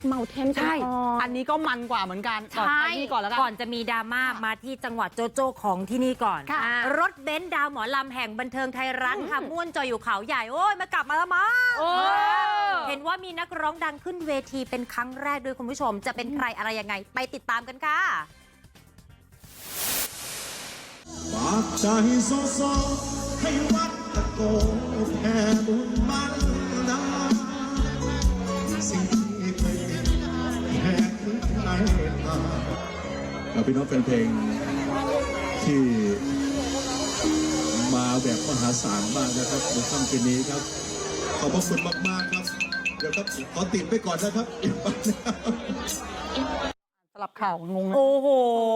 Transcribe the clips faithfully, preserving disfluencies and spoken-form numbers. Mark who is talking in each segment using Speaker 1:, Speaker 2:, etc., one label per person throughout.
Speaker 1: เมาเทน
Speaker 2: ใช่อันนี้ก็มันกว่าเหมือนกันใช่ที่ก่อนแล้วกัน
Speaker 3: ก่อนจะมีดราม่ามาที่จังหวัดโจโจ้ของที่นี่ก่อน รถเบนซ์ดาวหมอลำแห่งบันเทิงไทยรัฐค่ะม่วนจอยอยู่เขาใหญ่โอ้ยมากลับมาแล้วมั้งเห็นว่ามีนักร้องดังขึ้นเวทีเป็นครั้งแรกด้วยคุณผู้ชมจะเป็นใครอะไรยังไงไปติดตามกันค่ะ
Speaker 4: ฝากใจโซโซให้วัดตะโกแผ่บุญมันดาสิ่งที่เคยเป็นแผ่คืนไทยมาเราพี่น้องแฟนเพลงที่มาแบบมหาศาลมากนะครับในค่ำคืนนี้ครับขอบพระคุณมากๆครับเดี๋ยวครับขอติดไปก่อนนะครับ
Speaker 2: สลับข่าวงง
Speaker 3: โอ้โห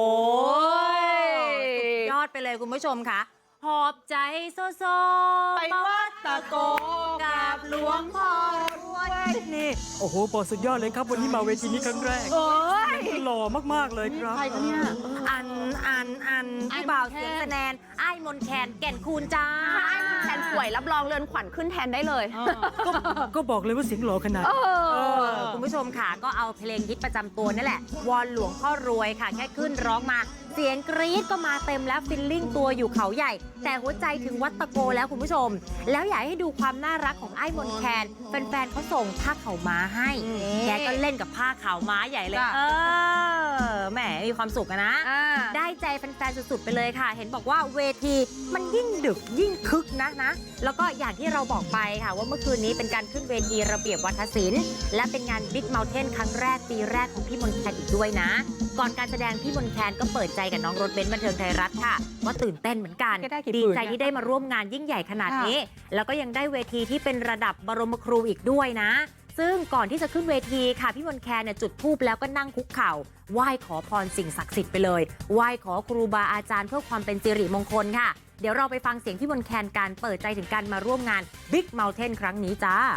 Speaker 3: ยอดไปเลยคุณผู้ชมค่ะหอบใจโซโซ
Speaker 2: ไปวัดตะโกกับหลวงพ่อรวยนี่
Speaker 5: โอ้โหปอสุดยอดเลยครับวันนี้มาเวทีนี้ครั้งแรก
Speaker 2: โอ้ย
Speaker 5: หล่อมากๆเลยครับ
Speaker 2: ใครกันเนี่ย
Speaker 3: อันอันอันพี่บ่าวเสียงแสดงไอ้มนแคนแก่นคูณจ้า
Speaker 1: ไอ้มันแทนป่วยรับรองเรือนขวัญขึ้นแทนได้เลย
Speaker 5: ก็ก็บอกเลยว่าเสียงหล่อขนาด
Speaker 3: เออคุณผู้ชมค่ะก็เอาเพลงฮิตประจำตัวนั่นแหละวอนหลวงพ่อรวยค่ะแค่ขึ้นร้องมาเสียงกรี๊ดก็มาเต็มแล้วฟิลลิ่งตัวอยู่เขาใหญ่แต่หัวใจถึงวัดตะโกแล้วคุณผู้ชมแล้วอยากให้ดูความน่ารักของไอ้มนแคนแฟนๆเขาส่งผ้าขาวม้าให้แกก็เล่นกับผ้าขาวม้าใหญ่เลยเออแหมมีความสุขนะได้ใจแฟนๆสุดๆไปเลยค่ะเห็นบอกว่าเวทีมันยิ่งดึกยิ่งคึกนะนะแล้วก็อย่างที่เราบอกไปค่ะว่าเมื่อคืนนี้เป็นการขึ้นเวทีระเบียบวัฒนศิลป์และเป็นงาน Big Mountain ครั้งแรกปีแรกของพี่มนแคนอีกด้วยนะก่อนการแสดงพี่มนแคนก็เปิดใจกับน้องรถเบนซ์บันเทิงไทยรัฐค่ะว่าตื่นเต้นเหมือนกันดีใจที่ได้มาร่วมงานยิ่งใหญ่ขนาดนี้แล้วก็ยังได้เวทีที่เป็นระดับบรมครูอีกด้วยนะซึ่งก่อนที่จะขึ้นเวทีค่ะพี่มนแคนเนี่ยจุดธูปแล้วก็นั่งคุกเข่าไหว้ขอพรสิ่งศักดิ์สิทธิ์ไปเลยไหว้ขอครูบาอาจารย์เพื่อความเป็นสิริมงคลค่ะเดี๋ยวเราไปฟังเสียงพี่มนแคนการเปิดใจถึงการมาร่วมงาน Big Mountain ครั้งนี้จ้า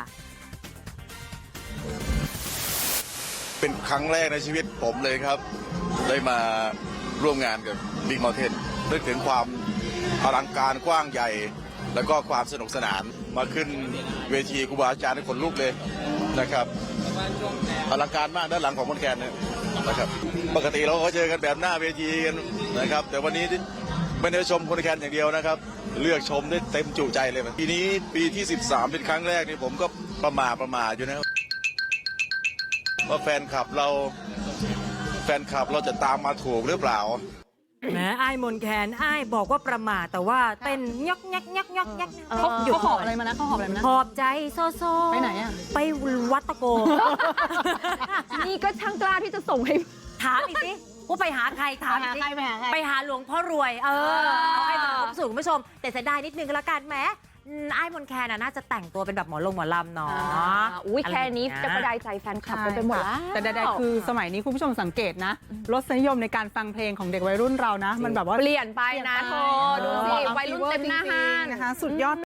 Speaker 6: เป็นครั้งแรกในชีวิตผมเลยครับได้มาร่วมงานกับ Big Mountain นึกถึงความอลังการกว้างใหญ่แล้วก็ความสนุกสนานมาขึ้นเวทีครูบาอาจารย์ให้คนลุกเลยนะครับอลังการมากด้านหลังของมนแคนเนี่ยนะครับปกติเราก็เจอกันแบบหน้าเวทีกันนะครับแต่วันนี้ไม่ได้ชมคนแคนอย่างเดียวนะครับเลือกชมได้เต็มจุใจเลยปีนี้ปีที่สิบสามเป็นครั้งแรกนี่ผมก็ประมาประมาอยู่นะว่าแฟนคลับเราแฟนคลับเราจะตามมาถูกหรือเปล่า
Speaker 5: แหมไอ้มนแคนไอ้บอกว่าประมาทแต่ว่าเต้นยกยักยักยักยัก
Speaker 2: เขาเขาหอบอะไรมานะเขาหอบอะไรมานะ
Speaker 3: หอบใจโซโซ
Speaker 2: ไปไหนอะ
Speaker 3: ไปวัดตะโก
Speaker 1: นี่ก็ช่างกล้าที่จะส่งให้
Speaker 3: ถามอีกสิว่าไปหาใครถามอีกสิไปหาหลวงพ่อรวยเออเอาให้มันครบสูตรคุณผู้ชมแต่เสียดายนิดนึงก็แล้วกันแหมไอ้มนแคนน่าจะแต่งตัวเป็นแบบหมอลงหมอลำเนาะ
Speaker 1: อุ้ยแค่นี้จะประดายใจแฟนคลับไปหมดแล้ว
Speaker 2: แต่ใดๆคือสมัยนี้คุณผู้ชมสังเกตนะรสนิยมในการฟังเพลงของเด็กวัยรุ่นเรานะมันแบบว่า
Speaker 1: เปลี่ยนไปนะโธ่ดูสิวัยรุ่นเต็มหน้าห้าง
Speaker 2: นะคะสุดยอด